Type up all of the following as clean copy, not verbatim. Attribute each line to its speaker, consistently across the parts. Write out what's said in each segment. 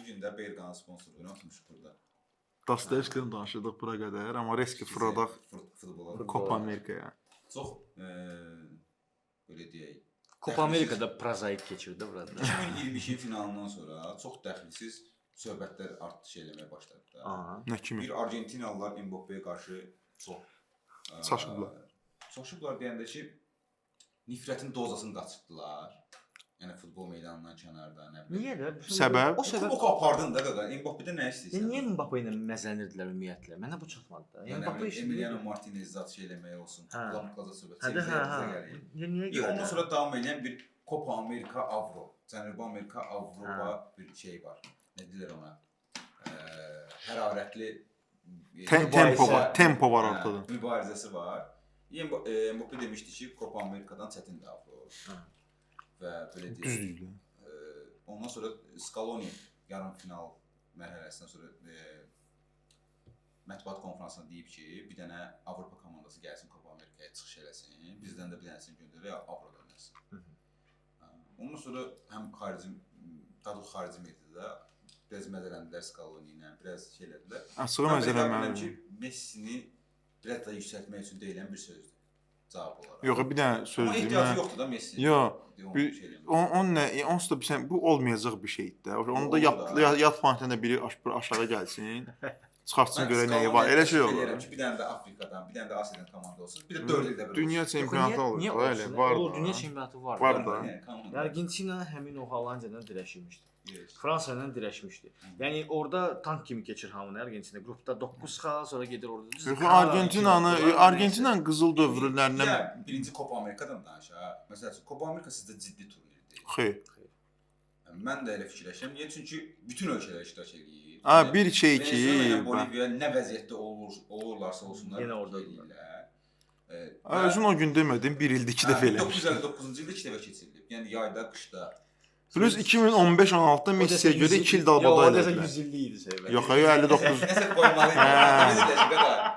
Speaker 1: bu gün də Berqanın sponsorluğunu atmışıq burada.
Speaker 2: Dostoyevski'dən danışırdıq bura qədər, amma riski fırladaq Copa Amerikaya.
Speaker 1: Çox belə deyək.
Speaker 3: Copa Amerikada prozaik keçirdi burada.
Speaker 1: 2022 finalından sonra çox dəxilsiz söhbətlər artış eləməyə başladı da.
Speaker 2: Nə kimi?
Speaker 1: Bir Argentinalılar Mbappe'yə qarşı çox çaşıblar deyəndə ki, nifrətin dozasını qaçırtdılar. Yəni futbol meydanından kənarda, nə bilim.
Speaker 3: Niyə də?
Speaker 2: Səbəb?
Speaker 3: O səbəb
Speaker 1: O apardın da qaqa. Mbappe'də nə istəyirsən?
Speaker 3: Niyə Mbappe ilə məzənirdilər ümumiyyətlə? Mənə bu çatmadı da.
Speaker 1: Yəni Mbappe Emiliano Martinez zat şey eləmək olsun. Qlamqlaza söhbət.
Speaker 3: Niyə görə?
Speaker 1: Ondan sonra davam edən bir Copa Amerika Avro, Cənubi Amerika Avropa bir şey var. Nə deyirlər ona? Hərarətli
Speaker 2: tempo var ortada.
Speaker 1: Mübarizəsi var. Mbappe demişdi ki, Copa Amerikadan çətindir Avro. Və belə deyək. Ondan sonra Scaloni yarım final mərhələsindən sonra mətbuat konfransında deyib ki, bir dənə Avropa komandası gəlsin Copa Amerikaya çıxış eləsin. Bizdən də bir dənəsini göndərək Avroda oynasın. Ondan sonra həm xarici mediada biraz məzələndilər Scaloni ilə, biraz şey elədilər.
Speaker 2: Açığı məzələnməli
Speaker 1: ki, Messini biraz da yüksəltmək üçün deyilən bir sözdür. Cavab olaraq.
Speaker 2: Yox, bir dənə söz deyim.
Speaker 1: Ehtiyacı yoxdur da Messi.
Speaker 2: Yox. Onsuz da bu olmayacaq bir şeydir də. Onu da yat fanatında biri aşağı gəlsin. Çıxartsın görə nəyi var. Elə şey olur.
Speaker 1: Bir dənə də Afrikadan, bir dənə də Asiyadan komanda olsun. Bir də 4 ildə bir.
Speaker 2: Dünya çempionatı olur. Elə var.
Speaker 3: O dünya çempionatı var.
Speaker 2: Var da.
Speaker 3: Argentina həmin o Hollandiyadan dirəşmişdi. Fransa ilə dirəşmişdi. Yəni orada tank kimi keçir hamını Argentina. Qrupda 9 xal, sonra gedir orada.
Speaker 2: Argentinanın qızıl dövrlərindən
Speaker 1: birinci Copa Amerikadan danışaq. Məsələn, Copa Amerika sizdə ciddi turnirdir.
Speaker 2: Xeyr.
Speaker 1: Mən də elə fikirləşirəm. Niyə? Çünki bütün ölkələr iştirak edir.
Speaker 2: Bir şey ki,
Speaker 1: Boliviya nə vəziyyətdə olurlarsa olsunlar.
Speaker 3: Yenə orada idilər.
Speaker 2: Özün o gün demədin, bir ildə 2 dəfə eləmiş.
Speaker 1: 1959-cu ildə 2 dəfə keçirilib. Yəni yayda, qışda.
Speaker 2: Plus 2015-16-da Messiyə görə 2 il dalbada elədilər.
Speaker 3: 100 illik idi söhbət.
Speaker 2: Yox, 59.
Speaker 1: Nəsə qoymalıydı.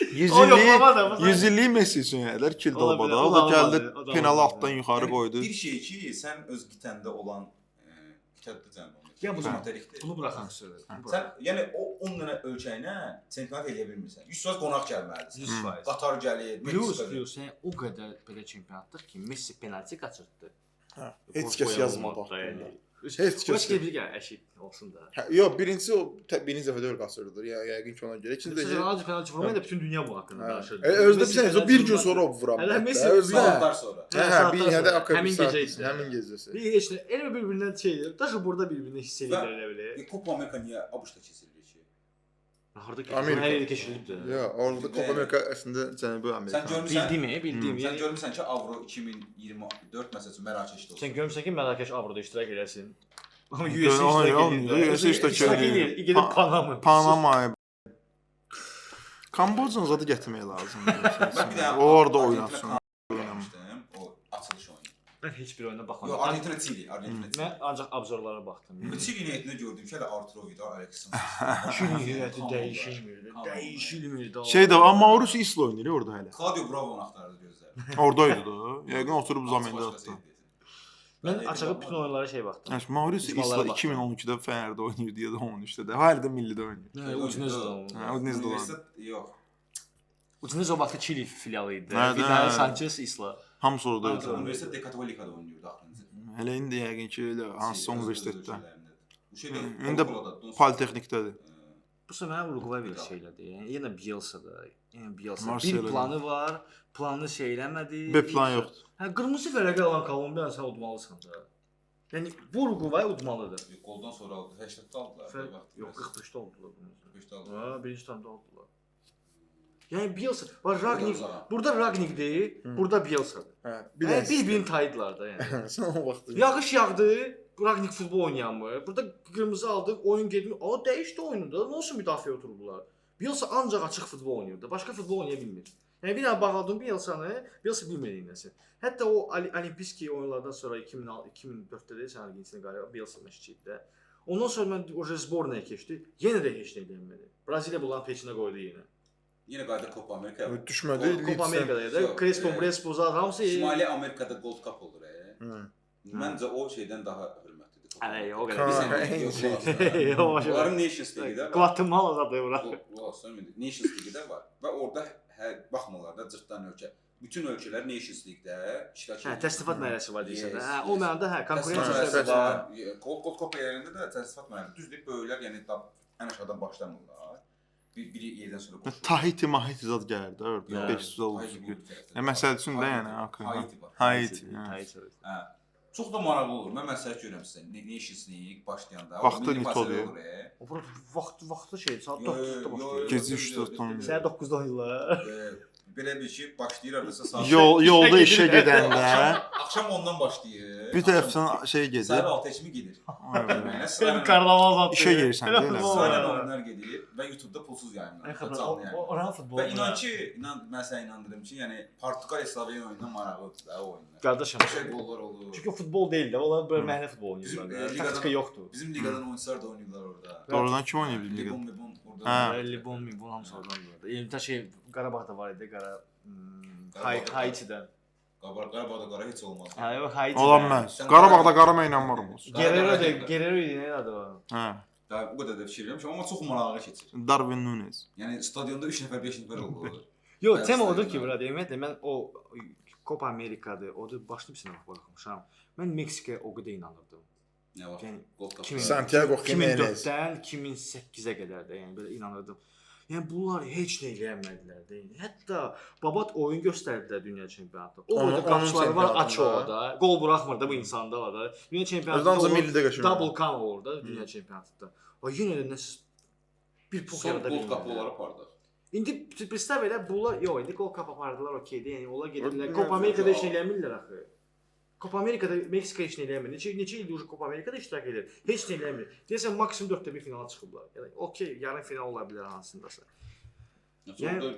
Speaker 2: 100 illik Messi üçün elədilər 2 il dalbada. O da gəldi penalı altdan yuxarı qoydu.
Speaker 1: Bir şey ki, sən öz qitəndə olan qitədə cəmb olmaq.
Speaker 3: Ya bunu buraxan söhbət.
Speaker 1: Sən yəni o 10 dənə ölkəyinə çempionat eləyə bilmirsən. 100% qonaq gəlməlisən.
Speaker 3: 100%.
Speaker 1: Qatar gəlir, Meksika gəlir.
Speaker 3: Plus, o qədər belə çempionatdır ki, Messi penalti qaçırtdı.
Speaker 2: Heç kəs yazmadı.
Speaker 3: Heç kəs bir əşit olsun da.
Speaker 2: Yox, birinci dəfə də öyle qaçırdı. Yəqin ki ona görə. İkinci
Speaker 3: də penalti vurmayı da bütün dünya bu haqqında danışır.
Speaker 2: Özdə bilirsən, bir gün sonra o vura bilər.
Speaker 3: Hələ Messi
Speaker 1: saatlar sonra.
Speaker 3: Həmin gecə.
Speaker 2: Həmin gecəsi.
Speaker 3: Bir heç nə, elə bir-birindən şeydir. Daşı burada bir-birini hiss edirlər elə belə.
Speaker 1: Copa Amerika niyə ABŞ-da keçirilir ki?
Speaker 3: Harda keçirilib? Hər yerdə keçirilibdi.
Speaker 2: Yox, orada Copa Amerika əslində Cənubi Amerika.
Speaker 3: Bildim.
Speaker 1: Sən görmüsən ki, Avro 2024 məsələn Mərakeşdə olsun.
Speaker 3: Sən görmüsən ki, Mərakeş Avroda iştirak eləsin. Amma
Speaker 2: USA iştirak edir.
Speaker 3: Gedib
Speaker 2: Panamaya. Kambocanı zadı gətirmək lazımdır. O orada oynasın.
Speaker 1: O açılış oyunu.
Speaker 3: Mən heç bir oyuna baxmadım.
Speaker 1: Yox, Argentina Chili.
Speaker 3: Mən ancaq obzorlara baxdım.
Speaker 1: Chili heyətində gördüm ki, hələ Arturo Vidal, Alexis
Speaker 3: Chili heyəti dəyişilmir.
Speaker 2: Şey də, amma Mauricio Isla oynayır orada hələ.
Speaker 1: Claudio Bravo'nun axtardı gözləri.
Speaker 2: Oradaydı da. Yəqin oturub zamində atdı.
Speaker 3: Mən açığı bütün oyunlara şey baxdım.
Speaker 2: Mauricio Isla 2012-də Fenerdə oynayır deyə də 13-də də. Hələ də millidə oynayır.
Speaker 3: Udinese-də
Speaker 1: Universitet yox.
Speaker 3: Udinese o vaxtı Chili filialı idi. Vidal, Sanchez, Isla.
Speaker 2: Hamısı oradaydı.
Speaker 1: Universitet de Katolikada oynayırdı axırıncı.
Speaker 2: Hələ indi yəqin ki, elə hansısa universitetdə.
Speaker 1: Bu şeydə
Speaker 2: İndi Politexnikdədir.
Speaker 3: Bu səfər mənə Uruguay bir şeylədir. Yəni yenə Bielsa-da. Bir planı var. Planını şey eləmədi.
Speaker 2: B plan yoxdur.
Speaker 3: Hə, qırmızı fərəqə alan Kolumbiyanı sən udmalısan da. Yəni bu Uruguay udmalıdır.
Speaker 1: Qoldan sonra aldı. 80-də aldılar.
Speaker 3: Yox, 45-də aldılar bunu.
Speaker 1: 45-də aldılar.
Speaker 3: Ha, birinci tamda aldılar. Yəni Bielsa, var Ragnik. Burada Ragnikdir, burada Bielsa'dır.
Speaker 2: Hə,
Speaker 3: bir-birini tayıdılar da yəni.
Speaker 2: Sən o vaxt.
Speaker 3: Yağış yağdı. Ragnik futbol oynayanmır. Burada qırmızı aldı, oyun getmir. O dəyişdi oyunu da. Nə olsun müdafiə oturdular. Bielsa ancaq açıq futbol oynayırdı. Başqa futbol oynaya bilmir. Yəni bir dənə bağladım Bielsa'nı, Bielsa bilmir nəsə. Hətta o Olimpiski oyunlardan sonra 2004-də də sən Argentina qalibi Bielsa məşqçiydi. Ondan sonra mən o sbornaya keçdi. Yenə də heç nə eləmədi. Braziliya bunların peçinə qoydu yenə.
Speaker 1: Yenə qayıdıb Copa Amerika.
Speaker 2: Düşmədi.
Speaker 3: Copa Amerikada da Crespo zat hamısı
Speaker 1: Şimali Amerikada Gold Cup olur. Məncə o şeydən daha hörmətlidir.
Speaker 3: Ay, o qədər.
Speaker 2: Ha,
Speaker 3: Biz
Speaker 1: Onların Nations League-də var.
Speaker 3: Guatemala zadı bura.
Speaker 1: Nations League-də var və orada baxmalar da cırtdan ölkə. Bütün ölkələr Nations League-də iştirak edir.
Speaker 3: Təsnifat mərhələsi var deyirsən. O mənada
Speaker 1: konkurensiya
Speaker 3: konkurensiya
Speaker 1: var. Kopa yerində də təsnifat mərhələsi. Düzdür, böyüklər, yəni ən aşağıdan başlamırlar. Biri yerdən sonra qoşulur.
Speaker 2: Tahiti Mahiti zad gəlir də orada 500 olur. Məsəl üçün də yəni
Speaker 1: Haiti var.
Speaker 2: Haiti.
Speaker 1: Hə. Çox da maraqlı olur. Mən məsləhət görürəm sizə. Nations League başlayanda
Speaker 2: Vaxtı nitoluyor.
Speaker 3: O vaxtı şey saat 9-da başlayır.
Speaker 2: Gecə 3-4 10.
Speaker 3: Səhər 9-da oynayırlar.
Speaker 1: Belə bir ki, başlayır hardasa saat.
Speaker 2: Yolda işə gedəndə
Speaker 1: Axşam ondan başlayır.
Speaker 2: bir tərəfdən şey gedir.
Speaker 1: Səhər 6 kimi gedir.
Speaker 3: Sən karnaval zadı.
Speaker 2: İşə gedirsən də elə.
Speaker 1: Sırayla oyunlar gedir və YouTube-da pulsuz yayımlanır.
Speaker 3: Oran futbol.
Speaker 1: Və mən sənə inandırım ki, yəni Portuqaliya Sloveniya oyunundan maraqlıdır da o oyunlar.
Speaker 3: Qardaşım,
Speaker 1: Şey qollar olur.
Speaker 3: çünki futbol deyil də, onlar belə məhəllə futbolu oynayırlar. Taktika yoxdur.
Speaker 1: Bizim liqadan oyunçular da oynayırlar orada.
Speaker 2: Doğrudan kim oynayır bizim liqada?
Speaker 1: Libon orada.
Speaker 2: Hə.
Speaker 3: Libon, Mibon hamısı oradan burada. Bir şey Qarabağda var idi, Haitidən.
Speaker 1: Qarabağda qara heç olmaz.
Speaker 3: Hə, yox Haitidən.
Speaker 2: Ola bilməz. Qarabağda qarama inanmıram olsun.
Speaker 3: Guerrero idi, nə adı var?
Speaker 2: Hə.
Speaker 1: Daha bu qədər də fikir vermişəm, amma çox maraqlı keçir.
Speaker 2: Darwin Nunes.
Speaker 1: Yəni stadionda 3 nəfər, 5 nəfər olur.
Speaker 3: Yox, tema odur ki, burada ümumiyyətlə mən o Copa Amerika'da, odur başlı bir sınava baxmışam. Mən Meksikaya o qədər inanırdım.
Speaker 1: Nə var?
Speaker 3: Yəni
Speaker 1: Gold Cup.
Speaker 2: Santiago Jimenez.
Speaker 3: 2004-dən 2008-ə qədər də, yəni belə inanırdım. Yəni bunlar heç nə eləmədilər də. Hətta Babat oyun göstərdilər dünya çempionatında. O da qapıçıları var açıq orada. Qol buraxmır da bu insanda var da. Dünya çempionatında
Speaker 2: millidə qəşəng.
Speaker 3: double kan olur da dünya çempionatında. O yenə də nəsə bir pux yarada
Speaker 1: Gold Cup olar apardı.
Speaker 3: İndi представь elə bunlar yox, indi Gold Cup apardılar okeydir. Yəni onlar gedirlər. Copa Amerika'da heç nə eləmirlər axı. Copa Amerika'da Meksika heç nə eləmir. Neçə ildir Copa Amerika'da iştirak edir. Heç nə eləmir. Deyəsən maksimum 4-də 1 finala çıxıblar. Yəni okey, yarım final ola bilər hansındasa.
Speaker 1: Yəni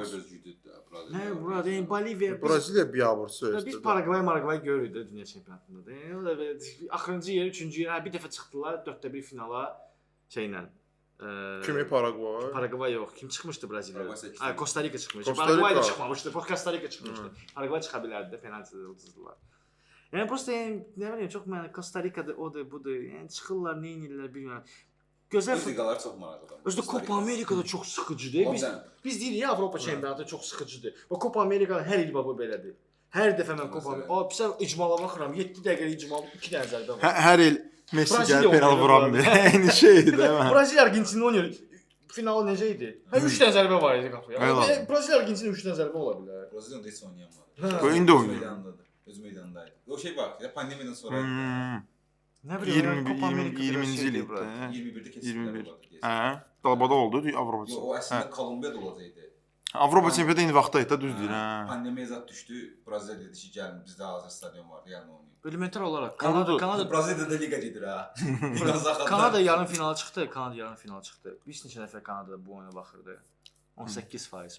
Speaker 3: Nə burada yəni Boliviya
Speaker 2: Braziliya biabırçı.
Speaker 3: biz Paragvay görürük də dünya çempionatında da. Yəni o da belə axırıncı yer, 3-cü yer, bir dəfə çıxdılar 4-də 1 finala şeylə.
Speaker 2: Kimi Paragvay?
Speaker 3: Paragvay yox. Kim çıxmışdı Braziliyaya? Ha, Costa Rica çıxmışdı.
Speaker 2: Costa
Speaker 3: Paragvay da
Speaker 2: Rica.
Speaker 3: çıxmamışdı. Costa Rica çıxmışdı. Paragvay çıxa bilərdi də, penaltidə uduzdular. Yəni prosta yəni nə bilim çox mən Costa Rica'da odur, budur. Yəni çıxırlar, nə edirlər bilmirəm. Gözəl
Speaker 1: liqalar çox maraqlıdır.
Speaker 3: Özdə Copa Amerika'da çox sıxıcıdır. Biz deyirik Avropa çempionatı çox sıxıcıdır. Və Copa Amerika'da hər il bu belədir. Hər dəfə mən Copa Amerika, pis icmala baxıram. 7 dəqiqəlik icmal 2 dənə zərbə var.
Speaker 2: Hər il Messi gəlib penal vuramır. Eyni şeydir də mən.
Speaker 3: Braziliya Argentina oynayır. Finalı necə idi? Hə 3 dənə zərbə var idi qapıya. Braziliya Argentina 3 dənə zərbə ola bilər.
Speaker 1: Braziliyada heç oynayamadı.
Speaker 2: Bu indi oynayır.
Speaker 1: Öz meydandaydı. O şey var, ya pandemiyadan sonra
Speaker 3: nə bilim,
Speaker 2: 20-ci il idi.
Speaker 1: 21-də keçirdilər.
Speaker 2: Hə, Dalbada oldu Avropa.
Speaker 1: Yox, o əslində Kolumbiyada olacaqdı.
Speaker 2: Avropa çempionatı eyni vaxtda idi, düz deyir, hə.
Speaker 1: Pandemiya zət düşdü. Braziliya dedi ki, gəlin bizdə hazır stadion var, yəni oynayın.
Speaker 3: Elementar olaraq
Speaker 1: Kanada Braziliyada liqa gedir ha.
Speaker 3: Kanada yarım finala çıxdı, Bir neçə nəfər Kanadada bu oyuna baxırdı. 18%.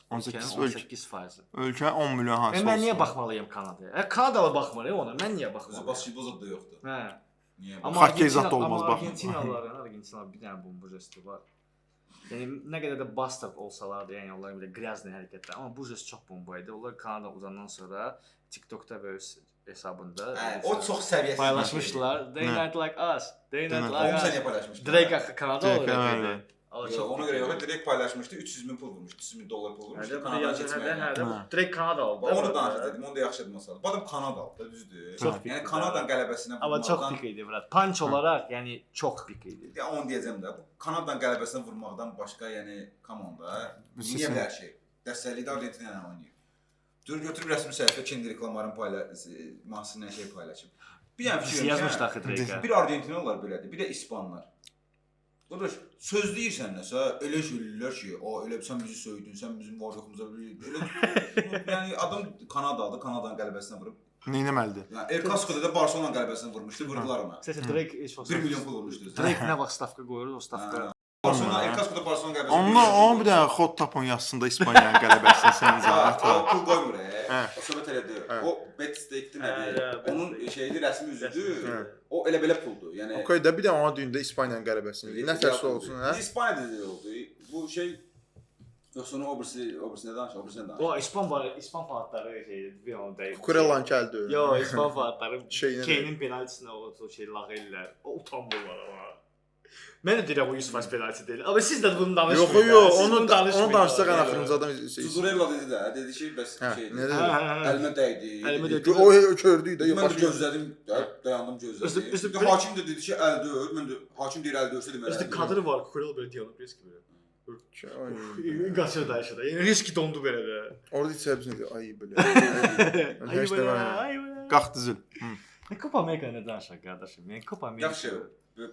Speaker 3: 18%.
Speaker 2: Ölkə 10 milyon hansı.
Speaker 3: Mən niyə baxmalıyam Kanadaya? Kanadalı baxmır ona. Mən niyə baxmalıyam?
Speaker 1: Basketbol da yoxdur.
Speaker 3: Hə.
Speaker 1: Niyə?
Speaker 3: Amma
Speaker 2: Hokkey zad da olmaz baxın.
Speaker 3: Argentinalılar bir dənə bomba jesti var. Yəni nə qədər də bastard olsalar da, yəni onların bir də qrязный hərəkətlər, amma bu jest çox bomba idi. Onlar Kanada uzandan sonra TikTokda və öz hesabında
Speaker 1: o çox səviyyəsiz
Speaker 3: paylaşmışdılar. They not like us. They not like
Speaker 1: us.
Speaker 3: us.
Speaker 1: Onu sən paylaşmışdın.
Speaker 3: Drake axı Kanada olur.
Speaker 1: Ona görə yox, direkt paylaşmışdı. 300 min pul vurmuşdu. 300 min dollar pul vurmuşdu.
Speaker 3: Kanada keçməyə. Drake Kanada oldu.
Speaker 1: Onu danışdım. Onu da yaxşı deməsəl. Bu adam Kanadalı da, düzdür. Yəni Kanadanın qələbəsinə
Speaker 3: amma çox pik idi bura. Punch olaraq, yəni çox pik idi.
Speaker 1: Ya onu deyəcəm də. Bu Kanadanın qələbəsinə vurmaqdan başqa, yəni komanda niyə belə şey? Dəstəkli də Argentina ilə oynayır. Götürüb rəsmi səhifə kendi reklamların mahnısından şey paylaşıb. Bir dənə fikir
Speaker 3: yazmışdı axı Drake.
Speaker 1: Bir Argentinalılar belədir, bir də İspanlar. Qardaş, söz deyirsən nəsə, elə söyləyirlər ki, elə sən bizi söydün, sən bizim var-yoxumuza elə yəni adam Kanadalıdır, Kanadanın qələbəsinə vurub.
Speaker 2: Nə etməlidir?
Speaker 1: Yəni El Clasico'da da Barcelona qələbəsinə vurmuşdu, vurdular ona.
Speaker 3: Səsə Drake
Speaker 1: 1 milyon pul vurmuşdu.
Speaker 3: Drake nə vaxt stavka qoyur, o stavka.
Speaker 1: Barcelona El Clasico'da Barcelona qələbəsinə.
Speaker 2: Onu bir dənə xod tapın yazsın da İspaniyanın qələbəsinə sən izah.
Speaker 1: O pul qoymur. O söhbət elədir. O bet stake-dir nədir? Onun şeydi, rəsmi üzüdür. O elə-belə puldur. Yəni
Speaker 2: Okay da bir də ona düyündə İspaniyanın qələbəsini. Nə tərsə olsun, hə?
Speaker 1: İspaniyada da oldu. Bu şey Yoxsa onun obrisindən danış, obrisindən danış.
Speaker 3: O İspan fanatları şeydir, bir onu deyim.
Speaker 2: Kukurelan gəldi.
Speaker 3: Yo, İspan fanatları
Speaker 2: Şeyinə
Speaker 3: Kane'in penaltisinə o şey lağ ellər. O utanmırlar ama. Mən də deyirəm o 100% penalti deyil. Amma siz də bunu danışmayın.
Speaker 2: Yox, onu danışsaq ən axırıncı adam
Speaker 1: Zuzurella dedi ki, bəs şeydir.
Speaker 2: Nə dedi?
Speaker 1: Əlimə dəydi.
Speaker 3: Əlimə dəydi.
Speaker 2: O kördü də,
Speaker 1: Mən də gözlədim, dayandım gözlədim. Hakim də dedi ki, əl döyür. Mən də hakim deyir əl döyürsə deməli.
Speaker 3: İşte kadrı var, Kukurela böyle diyalog riski böyle. Qaçır da aşağıda. Yəni riski dondu belə də.
Speaker 2: Orada heç hepsini ay belə.
Speaker 3: Ay belə, ay belə.
Speaker 2: Qalxdı zil.
Speaker 3: Copa Amerika nə danışaq qardaşım? Yəni Copa Amerika.
Speaker 1: Yaxşı.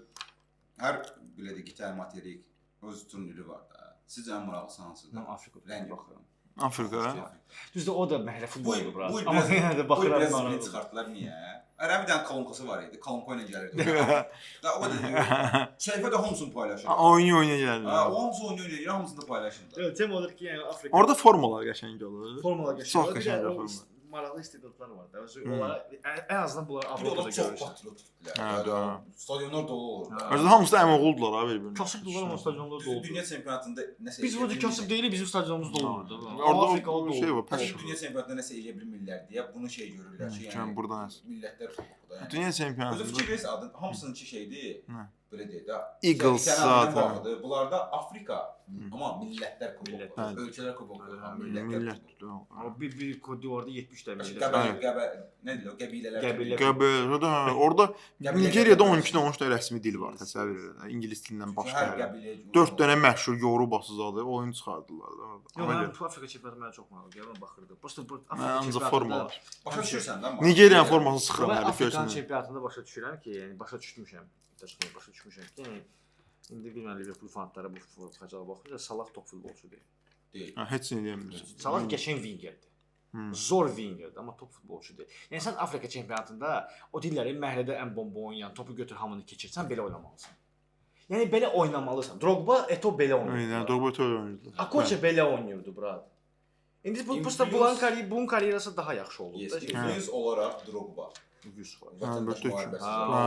Speaker 1: Hər belə deyək, gitar materik öz turniri var da. Sizcə ən maraqlısı hansıdır?
Speaker 3: Mən Afrika
Speaker 1: Rəng
Speaker 3: baxıram.
Speaker 2: Afrika.
Speaker 3: Düzdür, o da məhlə futboldur bura.
Speaker 1: Bu
Speaker 3: Amma yenə də baxıram
Speaker 1: biraz
Speaker 3: maraqlı.
Speaker 1: sprint çıxartdılar niyə? Ərəb bir dənə kolonkası var idi. Kolonko ilə gəlirdi. Da o da səhifədə hamısını paylaşır.
Speaker 2: Oyun gəldi.
Speaker 1: Ha, o hamısı oynuyor, hamısını da paylaşırlar.
Speaker 3: Evet, tema odur ki, yəni Afrika.
Speaker 2: Orada formalar qəşəng olur.
Speaker 3: formalar
Speaker 2: Çox
Speaker 3: geçiyor. Bir
Speaker 2: qəşəng
Speaker 3: də o
Speaker 2: formalar.
Speaker 3: maraqlı istedadlar var da. Onlara ən azından bunlar
Speaker 1: Bir də
Speaker 3: Avropada
Speaker 1: onlar çox
Speaker 3: görürsən.
Speaker 1: patriotikdirlər.
Speaker 2: Hə, doğru.
Speaker 1: Stadionlar dolu olur.
Speaker 2: Özdə hamısı da əməğuldular ha bir-birinə.
Speaker 3: Kasıbdılar ama stadionlar
Speaker 1: Dünya
Speaker 3: doldu.
Speaker 1: çempionatında nəsə
Speaker 3: Biz burada kasıb deyilik, bizim stadionumuz dolmurdu.
Speaker 2: Orada
Speaker 3: Afrika
Speaker 2: o şey var,
Speaker 1: Pəs
Speaker 2: pəs.
Speaker 1: dünya çempionatında nəsə eləyə bilmirlər deyə bunu şey görürlər ki,
Speaker 2: Sən burdan əs.
Speaker 1: millətlər futbolda yəni.
Speaker 2: Dünya
Speaker 1: Özü
Speaker 2: çempionatında
Speaker 1: fikir verirsə adın hamısınınki şeydir.
Speaker 2: Nə?
Speaker 1: Belə deyək də.
Speaker 2: Eagles zaten.
Speaker 1: Bunlarda Afrika amma millətlər kuboku,
Speaker 3: Millətlər.
Speaker 1: ölkələr kuboku,
Speaker 2: millət.
Speaker 1: millətlər kuboku.
Speaker 3: Ama bir kodi vardı 70 tane millet.
Speaker 1: Nə deyirlər, qəbilələr.
Speaker 3: Qəbilə.
Speaker 2: Qəbə, orada Nigeriyada 12 13 rəsmi dil var, təsəvvür edin. İngilis dilindən başqa.
Speaker 1: Hər qəbilə
Speaker 2: 4 dənə məşhur Yoruba zadı oyun çıxardılar da orada.
Speaker 3: Yo, mən bu Afrika çempionatı mənə çox maraqlı gəldi, mən baxırdım. Prosta bu
Speaker 2: Mən ancaq formalar.
Speaker 1: Başa düşürsən də?
Speaker 2: Nigeriyanın formasını sıxıram
Speaker 3: Mən
Speaker 2: hər
Speaker 3: Afrikanın
Speaker 2: görsən.
Speaker 3: çempionatında başa düşürəm ki, yəni başa düşmüşəm. Başa düşmüşəm ki, yəni indi bilmən Liverpool fanatları bu fəcala baxır, Salah top futbolçu deyil.
Speaker 1: Deyil.
Speaker 2: Heç nə deyə bilmirsən.
Speaker 3: Salah qəşəng wingerdir. Zor wingerdir, amma top futbolçu deyil. Yəni sən Afrika çempionatında o dilləri məhəllədə ən bomba oynayan, topu götür hamını keçirsən belə oynamalısan. Yəni belə oynamalısan. Drogba, Eto'o belə oynayır.
Speaker 2: Yəni Drogba ötə oynadı.
Speaker 3: Akoça belə oynayırdı bura. İndi bu prosta bunun karyerası daha yaxşı oldu da.
Speaker 1: Yüz olaraq Drogba.
Speaker 3: 100%.
Speaker 1: Vətəndaş müharibəsi.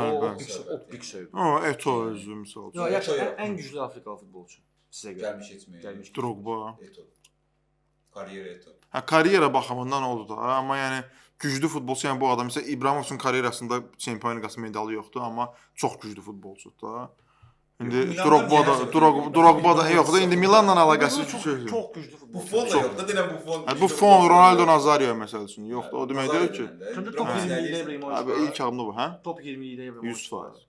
Speaker 3: O pik söydü.
Speaker 2: O Eto özü misal.
Speaker 3: Yo, yaxşı, ən güclü Afrikalı futbolçu sizə görə.
Speaker 1: Gəlmiş etməyə.
Speaker 3: Gəlmiş.
Speaker 2: Drogba.
Speaker 1: Eto. Karyera Eto.
Speaker 2: Hə, karyera baxımından oldu da, amma yəni güclü futbolçu, yəni bu adam isə İbrahimovun karyerasında Çempionlar Liqası medalı yoxdur, amma çox güclü futbolçudur da. İndi Drogba da yox da, indi Milanla əlaqəsi
Speaker 3: çox güclü futbolçu.
Speaker 1: Buffon da yox da, denən Buffon.
Speaker 2: Bu Fon Ronaldo Nazario məsəl üçün yox da, o demək deyil ki.
Speaker 3: Top 20-də İbrahimovic.
Speaker 2: Abi ilk adımda bu, hə?
Speaker 3: Top 20-də İbrahimovic.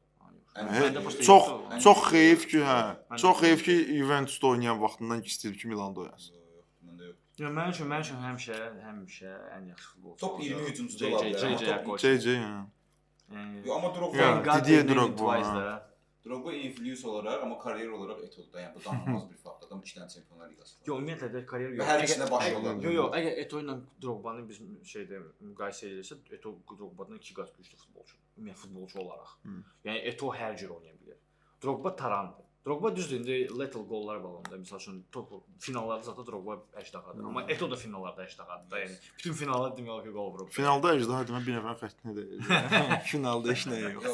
Speaker 2: 100%. Çox xeyif ki, hə. Çox xeyif ki, Juventusda oynayan vaxtından istəyir ki, Milanda oynasın.
Speaker 3: Yo, mən üçün həmişə ən yaxşı futbolçu.
Speaker 1: Top 20 hücumçusu ola bilər.
Speaker 2: JJ, hə.
Speaker 1: Yo, amma
Speaker 2: Ya,
Speaker 1: Drogba
Speaker 2: Didier Drogba.
Speaker 1: Drogba influence olaraq, amma karyer olaraq Eto'da, yəni bu danılmaz bir fakt. Adam 2 dənə Çempionlar Liqası var.
Speaker 3: Yo, ümumiyyətlə də karyer
Speaker 1: Və
Speaker 3: yox.
Speaker 1: hər ikisində başı olur.
Speaker 3: Yo, əgər Eto'o ilə Drogba'nı biz şeydə müqayisə edirsə, Eto'o Drogba'dan 2 qat güclü futbolçudur. Ümumiyyətlə futbolçu olaraq. Yəni Eto'o hər cür oynaya bilər. Drogba tarandır. Drogba düzdür, indi lethal qollar bağlamında, məsəl üçün top finallarda zaten Drogba əjdahadır. Amma Eto'o da finallarda əjdahadır da, yəni bütün finallarda demək olar ki, qol vurub.
Speaker 2: Finalda əjdaha demə bir nəfər xəttinə deyil. Finalda heç nə yox.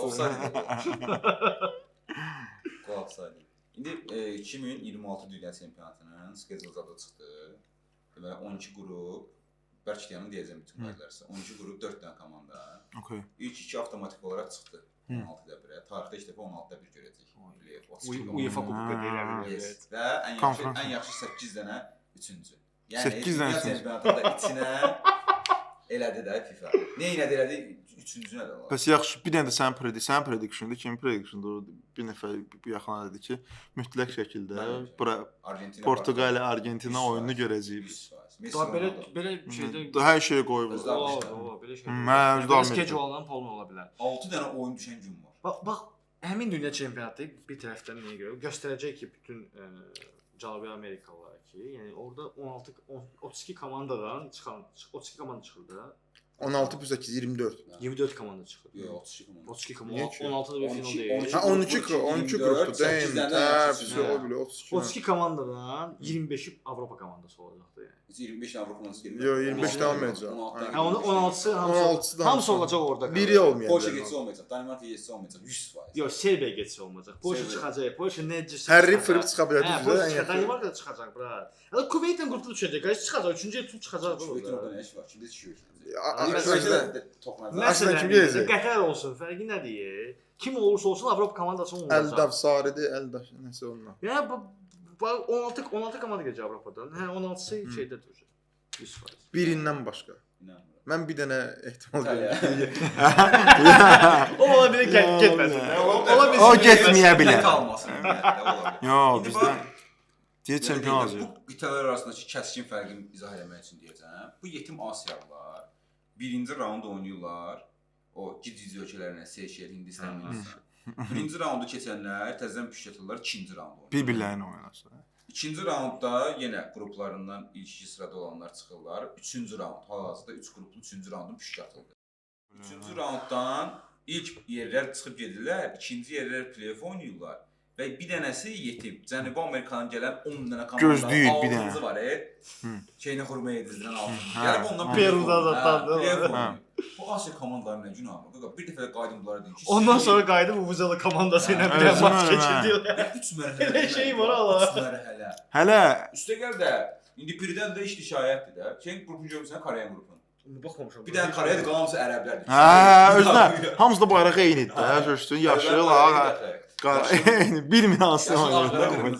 Speaker 1: Qolaqsaydı. İndi 2026 Dünya Çempionatının schedule zadı çıxdı. Deməli 12 qrup, bəlkə deyəmin deyəcəm bütün qaydalarsa. 12 qrup 4 dənə komanda.
Speaker 2: Okay.
Speaker 1: İlk 2 avtomatik olaraq çıxdı. 16-da birə. Tarixdə ilk dəfə 16-da bir görəcək.
Speaker 3: UEFA Kupu deyirəm.
Speaker 1: Evet. Və ən yaxşı 8 dənə üçüncü.
Speaker 2: 8 dənə
Speaker 1: Dünya Çempionatında içinə elədi də FIFA. Nə elədi üçüncünə də.
Speaker 2: Bəs yaxşı, bir dənə də sənin prediction-da, kimin prediction-da bir nəfər bu yaxına dedi ki, mütləq şəkildə bura Portuqaliya, Argentina oyununu görəcəyik.
Speaker 3: Belə şeydə
Speaker 2: Hər şey qoyub.
Speaker 3: belə şey.
Speaker 2: Mən
Speaker 3: Belə schedule-dan polnu ola bilər.
Speaker 1: 6 dənə oyun düşən gün var.
Speaker 3: Bax, həmin dünya çempionatı bir tərəfdən nəyə görə göstərəcək ki, bütün Cənubi Amerikalılar ki, yəni orada 32 komandadan çıxan 32 komanda çıxır da.
Speaker 2: 16 plus 8 24.
Speaker 3: 24 komanda çıxır.
Speaker 1: Yox, 32 komanda.
Speaker 3: 32
Speaker 2: Niyə
Speaker 3: komanda.
Speaker 2: ki?
Speaker 3: 16-da bir final deyil.
Speaker 1: 12
Speaker 2: Ha 12 qrupdur. Deyim. Hepsi o bile 32.
Speaker 3: 32 komandadan 25'i Avropa komandası olacaqdı yəni.
Speaker 1: Biz 25 Avropa komandası gəlmir.
Speaker 2: Yo 25 olmayacaq.
Speaker 3: Ha onu 16'sı
Speaker 2: 16'sı
Speaker 3: hamısı olacaq orada.
Speaker 2: Biri olmayacaq.
Speaker 1: Polşa getsə olmayacaq, Danimarka getsə olmayacaq, 100%.
Speaker 3: Yox, Serbiya getsə olmayacaq. Polşa
Speaker 1: Serbiya.
Speaker 3: çıxacaq. Polşa necə
Speaker 2: Harry fırıb çıxa bilər
Speaker 3: Hə,
Speaker 2: düzdür?
Speaker 3: Polşa
Speaker 2: Ən
Speaker 3: çıxacaq.
Speaker 2: yaxın.
Speaker 3: Danimarka da çıxacaq bura. Hələ Kuveytlə qrupda düşəcək. Qaç çıxacaq. 3-cü tur çıxacaq
Speaker 1: Kuveytin orada
Speaker 3: burada.
Speaker 1: nə iş var? Kimdə düşüyor?
Speaker 2: Kuveytdə
Speaker 1: toxunacaq.
Speaker 2: Aslında kim
Speaker 3: Məsələn,
Speaker 2: gələcək?
Speaker 3: Qətər olsun, fərqi nədir? Kim olursa olsun Avropa komandası olacaq.
Speaker 2: Eldav Sarıdı, Eldav nəsə onunla.
Speaker 3: Yəni bu 16 komanda gələcək Avropadan. Hə 16-sı şeydə duracaq. 100%.
Speaker 2: Birindən başqa.
Speaker 1: İnanmıram.
Speaker 2: Mən bir dənə ehtimal
Speaker 1: İtaliya.
Speaker 2: görürəm.
Speaker 3: O ola bilər getməsin. Ola bilər.
Speaker 2: O getməyə bilər.
Speaker 1: Tək almasın. ümumiyyətlə, ola bilər.
Speaker 2: Yo,
Speaker 1: İndi
Speaker 2: bizdə
Speaker 1: bax,
Speaker 2: deyir çempion
Speaker 1: yəni
Speaker 2: olacaq.
Speaker 1: Bu qitələr arasındakı kəskin fərqi izah etmək üçün deyəcəm. Bu yetim Asiyalılar birinci raund oynayırlar. O gec-gec ölkələrinə Seyşel, Hindistan, Hindistan. Birinci raundu keçənlər təzədən püşkətlər ikinci raund oynayır.
Speaker 2: Bir-birlərini oynasın.
Speaker 1: İkinci raundda yenə qruplarından ilk 2 sırada olanlar çıxırlar. Üçüncü raund, hal-hazırda 3 qruplu üçüncü raundun püşkətidir. Üçüncü raunddan ilk yerlər çıxıb gedirlər, ikinci yerlər play-off oynayırlar. Və bir dənəsi yetim. Cənubi Amerikadan gələn 10 dənə
Speaker 2: Gözləyir bir dənə.
Speaker 1: altıncı var, şeyini xurma edirdindən altıncı.
Speaker 2: Hə.
Speaker 1: Yəni ondan
Speaker 3: Peru'da zaten, değil mi?
Speaker 1: play-off
Speaker 2: Hə.
Speaker 1: oynayır. Bu Asiya komandaları nə günahı? Bir dəfə də qaydım bunlara deyim ki,
Speaker 3: Ondan sonra qayıdıb Uvuzalı komandası ilə bir
Speaker 2: Özüm
Speaker 3: maç
Speaker 2: ölüm, hə.
Speaker 3: keçirdilər.
Speaker 1: 3 mərhələ.
Speaker 3: Elə şey var ala.
Speaker 1: 3 mərhələ.
Speaker 2: Hələ
Speaker 1: Üstə gəl də indi birdən də işdi şayətdir də. Şeyin qrupunu görmüsən, Koreyan qrupunu.
Speaker 3: Baxmamışam.
Speaker 1: Bir dənə Koreyadır, qalansı ərəblərdir.
Speaker 2: hə, özünə hamısı da bayraq eyni idi də, görürsün, yaşıl ha. Bilmir hansı oynayır.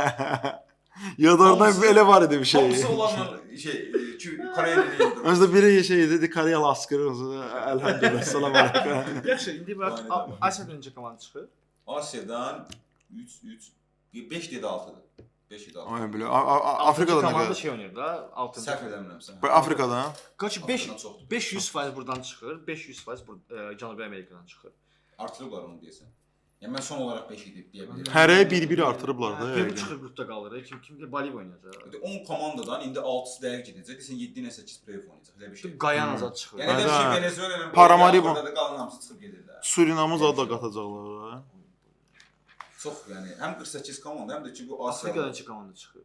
Speaker 2: Yadardan belə var idi bir şey.
Speaker 1: Hamısı olanlar Koreyanın
Speaker 2: Özdə biri şey idi, Koreyalı askırır, elhamdülillah, salam aleyküm.
Speaker 3: Yaxşı, indi bax
Speaker 1: Aynen öyle.
Speaker 3: Asiyadan necə komanda çıxır?
Speaker 1: Asiyadan 5 dedi 6-dır. 5 dedi 6.
Speaker 2: Ay belə, Afrikadan da
Speaker 3: komanda
Speaker 2: gəlir.
Speaker 3: şey oynayır da, 6.
Speaker 1: Səhv eləmirəmsə.
Speaker 2: Afrikadan.
Speaker 3: Qaç
Speaker 1: Afrikadan çoxdur.
Speaker 3: 500% buradan çıxır, 500% Cənubi Amerikadan çıxır.
Speaker 1: Artırıblar onu deyəsən. Yəni mən son olaraq 5 idi deyə bilərəm.
Speaker 2: Hərəyə bir-biri artırıblar da
Speaker 3: Kim
Speaker 2: yəqin.
Speaker 3: çıxır qrupda qalır, kim Boliv oynayacaq.
Speaker 1: 10 komandadan indi 6-sı dəqiq gedəcək. Desən 7 ilə 8 play-off oynayacaq. Elə bir şey.
Speaker 3: Qayan azad çıxır.
Speaker 1: Yəni elə
Speaker 2: Hə.
Speaker 1: şey Venezuela ilə
Speaker 2: Paramaribo.
Speaker 1: da qalan hamısı çıxıb gedirlər.
Speaker 2: Surinamı da qatacaqlar. ha.
Speaker 1: Çox yəni həm 48 komanda, həm də ki bu Asiya.
Speaker 3: Afrikadan neçə komanda çıxır?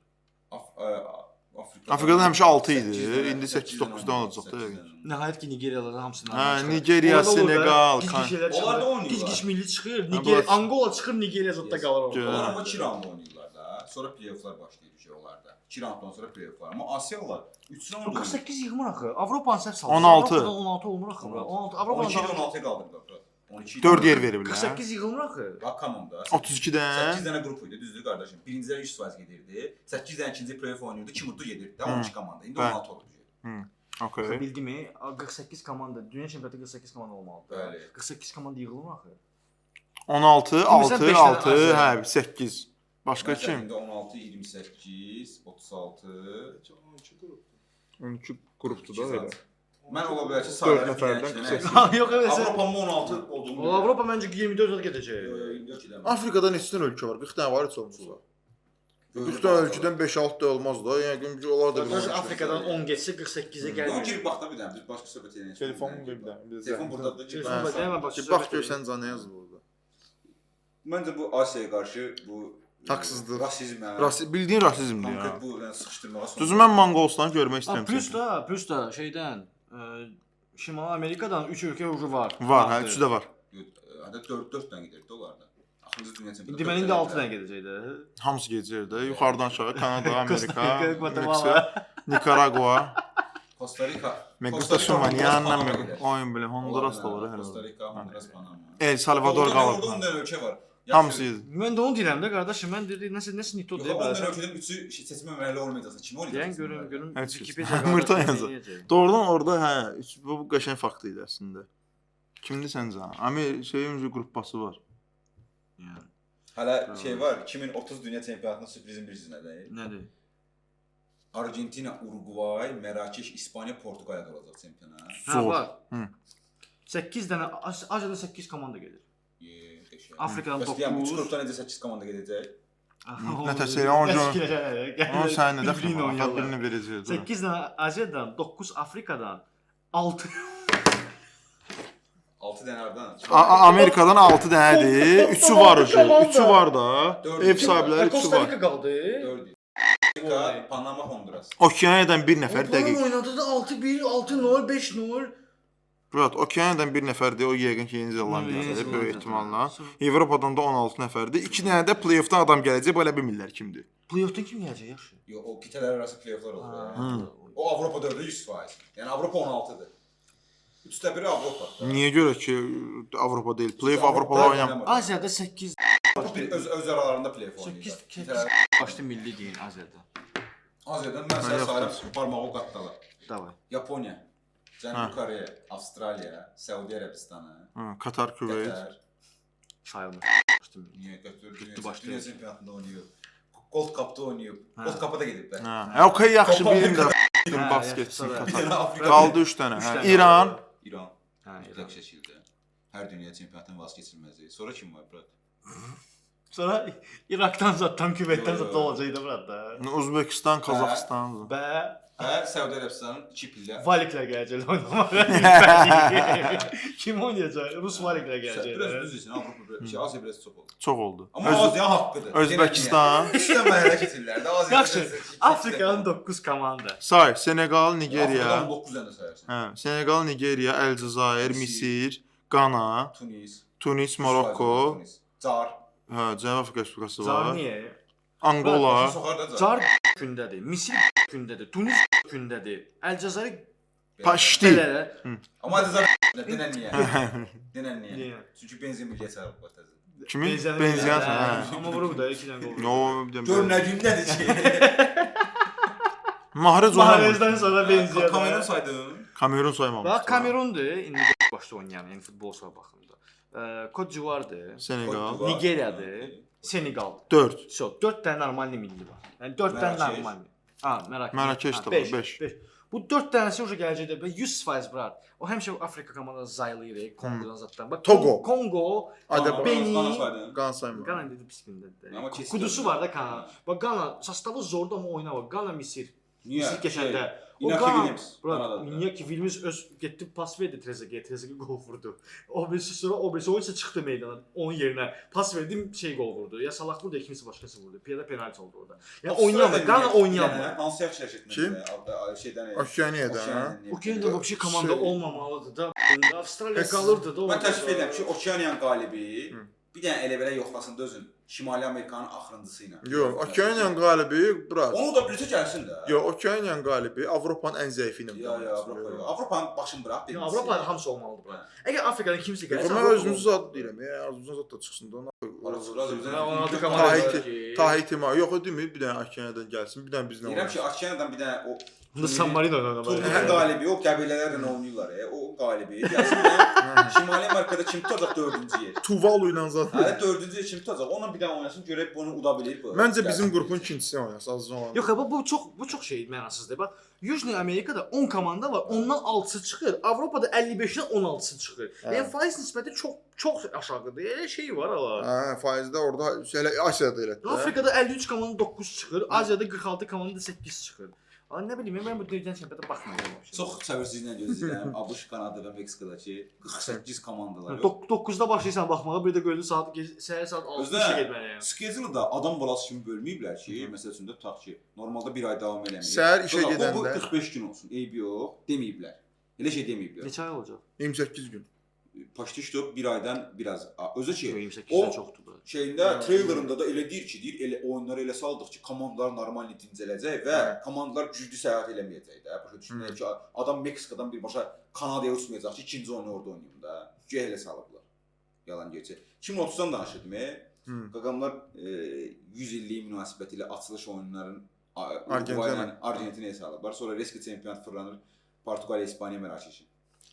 Speaker 2: Afrikadan həmişə 6 idi,
Speaker 1: Səkkizdən-
Speaker 2: indi 8-9-dan olacaq da yəqin.
Speaker 1: səkkizdən.
Speaker 3: Nəhayət ki Nigeriyalıların hamısını.
Speaker 2: Hə, Nigeriya, Senegal,
Speaker 1: Onlar da oynayırlar.
Speaker 3: Gic-gic milli çıxır,
Speaker 2: Ha,
Speaker 3: Nigeriya,
Speaker 2: bu-
Speaker 3: Angola çıxır, Nigeriya zətdə qalır orada.
Speaker 2: Gör.
Speaker 1: Onlar amma 2 raund oynayırlar da. Sonra play-offlar başlayır ki onlarda. 2 raunddan sonra play-offlar. Amma Asiyalılar 3 raund oynayır.
Speaker 3: 48 yığmır axı. Avropanın səhv saldı.
Speaker 2: 16.
Speaker 3: Avropadan 16 olmur axı. 16 Avropadan
Speaker 1: 12-dən 16-ya qaldırdılar. 12
Speaker 2: 4 yer veriblər.
Speaker 3: 48 yığılmır axı.
Speaker 1: Bax komanda.
Speaker 2: 32-dən
Speaker 1: 8 dənə qrup idi, düzdür qardaşım. Birincidən 100% gedirdi. 8 dənə ikinci play-off oynayırdı. 2 mutlu gedirdi də 12 komanda. İndi
Speaker 2: Bəli.
Speaker 1: 16 olacaq.
Speaker 2: Okay.
Speaker 3: Bildimi? 48 komanda, dünya çempionatı 48 komanda olmalıdır.
Speaker 1: Bəli.
Speaker 3: 48 komanda yığılmır axı.
Speaker 2: 16,
Speaker 3: Bilmirsən,
Speaker 2: 6,
Speaker 3: beş dənə
Speaker 2: 6,
Speaker 3: Asiya.
Speaker 2: hə, 8. Başqa
Speaker 1: Məsələn,
Speaker 2: kim?
Speaker 1: indi 16, 28, 36.
Speaker 2: 12 qrupdur da elə.
Speaker 1: Mən ola bilər ki,
Speaker 2: Dörd
Speaker 1: sayıları
Speaker 2: nəfərdən
Speaker 1: bilən
Speaker 2: qısa.
Speaker 1: ki,
Speaker 3: Yox, evet.
Speaker 1: Avropanın 16 olduğunu.
Speaker 3: Avropa məncə 24 il gedəcək.
Speaker 1: 24 ildən.
Speaker 2: Afrikada neçə dənə ölkə var? 40 dənə var heç olmasa. 40 dənə ölkədən 5-6 da olmaz da. Yəni ki, onlar da
Speaker 3: Qardaş Afrikadan 10 getsə 48-ə
Speaker 1: Yox,
Speaker 3: gəlir.
Speaker 1: girib bax da bir dənə, biz başqa söhbət edək.
Speaker 2: Telefonum bir dənə.
Speaker 1: Telefon burdadır.
Speaker 3: Telefon
Speaker 2: Hə.
Speaker 3: burda, hemen bax.
Speaker 2: Bax görsən canı yazılır orada.
Speaker 1: Məncə bu Asiyaya qarşı bu
Speaker 2: Haqsızlıq.
Speaker 1: rasizmə,
Speaker 2: Bildiyin rasizmdir ya.
Speaker 1: konkret bu yəni sıxışdırmağa son.
Speaker 2: Düzü mən Monqolistanı görmək istəyirəm.
Speaker 3: Plus da şeydən Şimali Amerikadan 3 ölkə ucu var.
Speaker 2: Var, hə, üçü də var.
Speaker 1: Hətta 4 dənə gedirdi onlarda. Axırıncı dünya çempionatı.
Speaker 3: İndi mən indi 6 dənə gedəcək də.
Speaker 2: Hamısı gedəcək də. Yuxarıdan aşağı Kanada, Amerika,
Speaker 3: Costa Rica, Guatemala.
Speaker 2: Meksika, Nikaragua,
Speaker 1: Costa Rica.
Speaker 2: Me
Speaker 1: Costa
Speaker 2: gusta
Speaker 1: Rica,
Speaker 2: su mañana,
Speaker 1: Honduras,
Speaker 2: me
Speaker 1: Panama
Speaker 2: oyun belə Honduras da var
Speaker 1: Costa
Speaker 2: hələ.
Speaker 1: Rica, Honduras, Panama.
Speaker 2: El Salvador
Speaker 1: Orada
Speaker 2: qalıb.
Speaker 1: 10 dənə ölkə var.
Speaker 2: Hamısı idi.
Speaker 3: Mən də onu deyirəm də qardaşım, mən dedi nəsə nito
Speaker 1: Yox,
Speaker 3: deyə
Speaker 1: 10 dənə
Speaker 3: bilərsən.
Speaker 1: ölkədən 3-ü seçmə mərhələ olmayacaqsa kim oynayacaq?
Speaker 3: Deyən görüm
Speaker 2: Heç kəs.
Speaker 3: Wikipedia
Speaker 2: Mırta
Speaker 3: qardaşım
Speaker 2: yazır.
Speaker 3: deyəcək.
Speaker 2: Doğrudan orada hə, bu qəşəng fakt idi əslində. Kimdir səncə? Şeyin qrupbası var.
Speaker 3: Yəni
Speaker 1: Hələ şey var, 2030 dünya çempionatının sürprizin birisi nədir?
Speaker 3: nədir?
Speaker 1: Argentina, Uruguay, Mərakeş, İspaniya, Portuqaliya olacaq çempionat.
Speaker 3: Hə
Speaker 2: Zor.
Speaker 3: var.
Speaker 2: Hı.
Speaker 3: 8 dənə Aziyada 8 komanda gedir.
Speaker 1: Qəşəng.
Speaker 3: Afrikadan
Speaker 1: Bəs deyəm, 3
Speaker 3: 9.
Speaker 1: qrupdan necə 8 komanda gedəcək?
Speaker 2: Nə təsəvvür onu
Speaker 3: Onu
Speaker 2: sən nə
Speaker 3: birini
Speaker 2: dəfə
Speaker 3: oynayırlar.
Speaker 2: birini verəcək.
Speaker 3: 8 dənə Aziyadan, 9 Afrikadan, 6
Speaker 1: 6 dənə hardan?
Speaker 2: Amerikadan 6 dənədir. 3-ü var ucu. 3-ü var da.
Speaker 1: Dördü.
Speaker 2: Ev sahibləri 3-ü
Speaker 3: Costa
Speaker 2: var.
Speaker 3: Rica qaldı.
Speaker 1: 4. Panama, Honduras.
Speaker 2: Okeaniyadan bir nəfər dəqiq.
Speaker 3: oynadı da 6-1, 6-0, 5-0.
Speaker 2: Burat, Okeaniyadan bir nəfərdir. O yəqin ki, Yeni Zelandiyadır böyük ehtimalla. Avropadan da 16 nəfərdir. 2 dənə də play-offdan adam gələcək. Belə bilmirlər kimdir.
Speaker 3: Play-offdan kim gələcək yaxşı?
Speaker 1: Yox, o qitələr arası play-offlar olur. O Avropa 4-də 100%. Yəni Avropa 16-dır. 3də biri Avropa.
Speaker 2: Niyə görə ki, Avropa deyil? Play-off Avropada oynamır.
Speaker 3: Aziyada 8
Speaker 1: Öz aralarında play-off oynayırlar.
Speaker 3: 8 başlı milli deyin Aziyada.
Speaker 1: Aziyadan mən sənə sayırım parmağı qatdalar.
Speaker 3: Davay.
Speaker 1: Yaponiya, Cənubi Koreya, Avstraliya, Səudiyyə Ərəbistanı,
Speaker 2: Katar, Küveyt.
Speaker 1: Qətər.
Speaker 3: Sayılmır. Başlı milli.
Speaker 1: Niyə götürür?
Speaker 3: başlayır.
Speaker 1: Dünya çempionatında oynayıb. Gold Cup'da oynayıb. Gold Cup'a da gediblər.
Speaker 2: Okay, yaxşı bildim də. Basketçi Katar. Qaldı 3 dənə. İran.
Speaker 1: İran. Mütləq şəkildə. Hər dünya çempionatının vazgeçilməzi. Sonra kim var, Burat?
Speaker 3: Sonra Irak'tan zaten, Küveyt'ten zaten olacaqdı burada.
Speaker 2: Özbekistan, Qazaxıstan.
Speaker 1: Və Səudiyyə Ərəbistanın 2 pillə.
Speaker 3: Valiklər gələcək oynamağa. Kim oynayacaq? Rus Valiklər gələcək.
Speaker 1: Biraz düz desin, Avropa Asiya biraz çox oldu.
Speaker 2: Çox oldu.
Speaker 1: Amma Asiya haqqıdır.
Speaker 2: Özbəkistan.
Speaker 1: Üçdən məhəllə keçirlər də Asiya.
Speaker 3: Yaxşı, Afrikanın 9 komanda.
Speaker 2: Say, Senegal, Nigeriya.
Speaker 1: Afrikanın 9 dənə sayarsan.
Speaker 2: Hə, Senegal, Nigeriya, Əlcəzair, Misir, Qana, Tunis, Marokko.
Speaker 1: Car.
Speaker 2: Hə, Cənubi Afrika Respublikası var.
Speaker 3: Car niyə?
Speaker 2: Angola.
Speaker 3: Car gündədir, Misir gündədir, Tunis gündədir, Əlcəzair
Speaker 2: Paşti.
Speaker 1: Amma Əlcəzair denən niyə? Denən niyə? Çünki benzin milliyə çağırıb var təzə.
Speaker 2: Kimin? Benziyan.
Speaker 3: Amma vurub da 2 dənə qol.
Speaker 2: No,
Speaker 1: Gör nə gündədir ki?
Speaker 2: Mahrez
Speaker 3: Mahrezdən sonra benziyan.
Speaker 1: Kamerun saydın.
Speaker 2: Kamerun saymamışdı.
Speaker 3: Bax Kamerundur, indi başda oynayan, yəni futbolçular baxımında. Côte d'Ivoire'dır,
Speaker 2: Senegal.
Speaker 3: Nigeriyadır, Senegal.
Speaker 2: 4.
Speaker 3: So, 4 dənə normalni milli var. Yəni 4 dənə normalni. Ha,
Speaker 2: Mərakeş də var, 5.
Speaker 3: Bu 4 dənəsi uje gələcəkdə 100% brat. O həmişə Afrika komandası zaylayır, Kongodan zatdan. Bax
Speaker 2: Togo.
Speaker 3: Kongo,
Speaker 2: Benin,
Speaker 1: saydın.
Speaker 2: Qan saymır.
Speaker 3: Ghana dedi pis gündədir.
Speaker 1: Amma
Speaker 3: Kudusu var da Ghana. Bax Ghana sastavı zordur amma oynar. Ghana Misir.
Speaker 1: Niyə?
Speaker 3: Misir keçəndə.
Speaker 1: Inaki Williams.
Speaker 3: Niyə ki Williams öz getdi pas verdi Trezeguet'e, Trezeguet gol vurdu. O birisi sonra o birisi oyuncu çıxdı meydana onun yerinə. Pas verdim şey gol vurdu. Ya Salah vurdu, ya kimsə başqası vurdu. Piyada penalti oldu orada. Yəni oynayamır. Ghana oynayamır.
Speaker 1: Hansı yaxşı şəkildə şeydən
Speaker 2: Okeaniyada.
Speaker 3: Okeaniyada vəbşi komanda olmamalıdır da. Avstraliya qalırdı da.
Speaker 1: Mən təklif edirəm ki, Okeaniyanın qalibi bir dənə elə belə yoxlasın da özün. Şimali Amerikanın axırıncısı ilə.
Speaker 2: Yox, Okeaniyanın qalibi Burak.
Speaker 1: Onu da bircə gəlsin də.
Speaker 2: Yox, Okeaniyanın qalibi Avropanın ən zəifi ilə.
Speaker 1: Yox, Avropanın başını bıraq.
Speaker 3: Avropa hamısı olmalıdır bura. Əgər Afrikadan kimsə gəlsə,
Speaker 2: mən özümüzün zad deyirəm. Azımızdan zad da çıxsın da. Tahiti ma. Yox, o demir, bir dənə Okeaniyadan gəlsin, bir dənə bizlə oynasın.
Speaker 1: Deyirəm ki, Okeaniyadan bir dənə o
Speaker 3: San Marino oynamalı.
Speaker 1: Turnirin qalibi, o qəbilələrlə oynayırlar. O qalibi. Gəlsin Şimali Amerikada kim tutacaq 4-cü yer?
Speaker 2: Tuvalu ilə zad.
Speaker 1: Hə, 4-cü yer kim tutacaq? Onunla bir dənə oynasın, görək bunu uda bilir bu.
Speaker 2: Məncə bizim qrupun ikincisini oynasın, azca olan.
Speaker 3: Yox, bu çox şey mənasızdır. Bax, Yüzni Amerikada 10 komanda var, ondan 6-sı çıxır. Avropada 55-dən 16-sı çıxır. Yəni faiz nisbəti çox aşağıdır. Elə şey var ala.
Speaker 2: Hə, faizdə orada elə Asiyada elətdir.
Speaker 3: Afrikada 53 komanda 9 çıxır, Aziyada 46 komanda 8 çıxır. Amma nə bilim, mən bu dünya çempionata baxmıram.
Speaker 1: Çox səbirsizliklə gözləyirəm. ABŞ, Kanada və Meksikadakı 48 komandalar.
Speaker 3: 9-da başlayırsan baxmağa, bir də gördün səhər saat 6-da işə getməliyəm.
Speaker 1: Schedule da adam balası kimi bölməyiblər ki, məsəl üçün də tutaq ki, normalda bir ay davam eləmir.
Speaker 2: Səhər işə gedəndə
Speaker 1: bu 45 gün olsun. Eybi yox, deməyiblər. Elə şey deməyiblər.
Speaker 3: Neçə ay olacaq?
Speaker 2: 28 gün.
Speaker 1: Paşti işdə bir aydan biraz. Özü ki,
Speaker 3: 28-dən çoxdur bu.
Speaker 1: Şeyində treylerində da elə deyir ki, elə oyunları elə saldıq ki, komandalar normal dincələcək və komandalar güclü səyahət eləməyəcək də. Başa düşürlər ki, adam Meksikadan birbaşa Kanadaya uçmayacaq ki, ikinci oyunu orada oynayım da. Güya elə salıblar. Yalan gerçək. 2030-dan danışırdım. Qaqamlar 100 illik münasibətilə açılış oyunlarının Argentinaya salıblar. Sonra Reski çempionat fırlanır. Portuqaliya, İspaniya mərakeşi.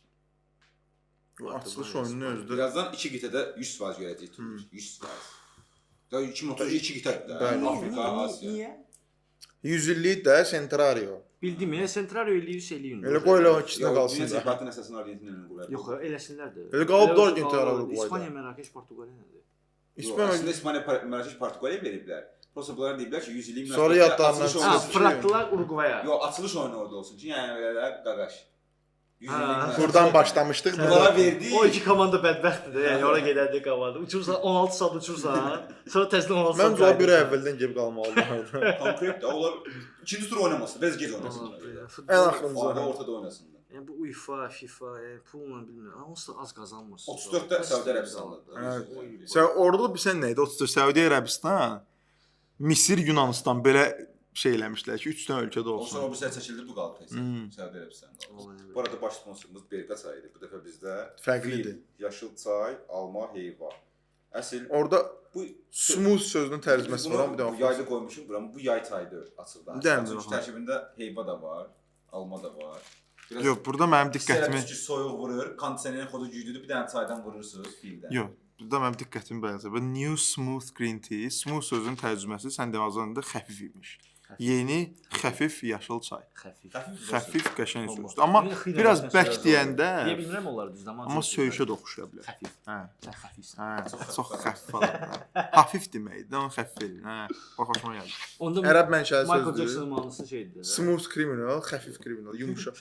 Speaker 2: Açılış oyununu özdə.
Speaker 1: Birazdan 2 qitədə 100% görəcəyik. 100%. Ya 2030 2 qitədir də. Afrika, Asiya.
Speaker 3: Niyə?
Speaker 2: 100 illik də Centrario.
Speaker 3: Bildim ya, Centrario eləyir, eləyir.
Speaker 2: Elə qoy elə ikisinə qalsın.
Speaker 1: Dünya çempionatının əsasını Argentina ilə qurur.
Speaker 3: Yox, eləsinlər də.
Speaker 2: Elə qalıb da Argentina Uruguayda.
Speaker 3: İspaniya, Mərakeş, Portuqaliya nədir?
Speaker 1: Əslində İspaniya, Mərakeş, Portuqaliya veriblər. Prosta bunlar deyiblər ki, 100 illik münasibətdə
Speaker 2: sonra yadlarından
Speaker 3: fırlatdılar Uruguaya.
Speaker 1: Yox, açılış oyunu orada olsun ki, yəni belə qaqaş.
Speaker 2: Buradan başlamışdıq.
Speaker 1: Bunlara verdik.
Speaker 3: O iki komanda bədbəxtdir də. Yəni ora gedəndə komanda. Uçursan 16 saat uçursan, sonra təzədən 16 saat.
Speaker 2: Məncə o bir əvvəldən gəlib qalmalıdır.
Speaker 1: Konkret onlar ikinci tur oynamasın, biraz gec oynasınlar.
Speaker 2: Ən axırıncı.
Speaker 1: Orada ortada oynasınlar.
Speaker 3: Yəni bu UEFA, FIFA, yəni pulla bilmirəm. Amma onsuz da az qazanmır.
Speaker 1: 34-də Səudiyyə Ərəbistanlıdır.
Speaker 2: Evet. Sən orada bilsən nə idi? 34 Səudiyyə Ərəbistan, Misir, Yunanistan belə şey eləmişlər ki, 3 dənə ölkədə
Speaker 1: O sonra
Speaker 2: olsun.
Speaker 1: bu səhər çəkildi, bu qaldı təkcə. Səudiyyə Ərəbistanı qaldı. Bu arada baş sponsorumuz Berqa çayıdır. Bu dəfə bizdə
Speaker 2: Fərqlidir.
Speaker 1: yaşıl çay, alma, heyva. Əsl
Speaker 2: Orada
Speaker 1: bu
Speaker 2: smooth sözünün tərcüməsi var, bir
Speaker 1: bu
Speaker 2: də
Speaker 1: yayda qoymuşum buram. Bu yay çayıdır açıqdan.
Speaker 2: Dəmdir,
Speaker 1: Çünki tərkibində heyva da var, alma da var. Biraz
Speaker 2: yox, burada mənim diqqətimi
Speaker 1: soyuq vurur, kondisionerin xodu güclüdür, bir dənə çaydan vurursunuz fildən.
Speaker 2: yox, burada mənim diqqətimi bəyənsə. Bu new smooth green tea, smooth sözünün tərcüməsi sən demazında xəfif imiş. Yeni xəfif yaşıl çay.
Speaker 3: Xəfif.
Speaker 2: Xəfif qəşəng sözdür. Amma biraz bək deyəndə
Speaker 3: Deyə bilmirəm onları düz amma.
Speaker 2: amma söyüşə də oxşaya bilər.
Speaker 3: Xəfif.
Speaker 2: Hə.
Speaker 3: Sən xəfifsən.
Speaker 2: Hə, çox xəfif falan. Hafif deməkdir, amma xəfif elin. Hə, bax xoşuma gəldi.
Speaker 3: Onda
Speaker 2: Ərəb mənşəli
Speaker 3: Michael
Speaker 2: sözdür.
Speaker 3: Jackson mahnısı şeydir.
Speaker 2: Smooth criminal, xəfif criminal, yumşaq.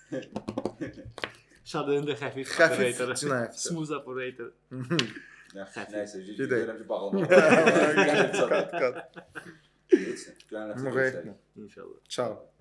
Speaker 3: Şadının da xəfif
Speaker 2: Xəfif
Speaker 3: operator.
Speaker 2: cinayətçi.
Speaker 3: Smooth operator.
Speaker 1: Nəysə,
Speaker 2: Gedək.
Speaker 1: görürəm ki, bağlamalı.
Speaker 2: Qat, qat.
Speaker 1: Geçsin. Görənlər.
Speaker 2: Müğayət.
Speaker 3: İnşallah.
Speaker 2: Ciao.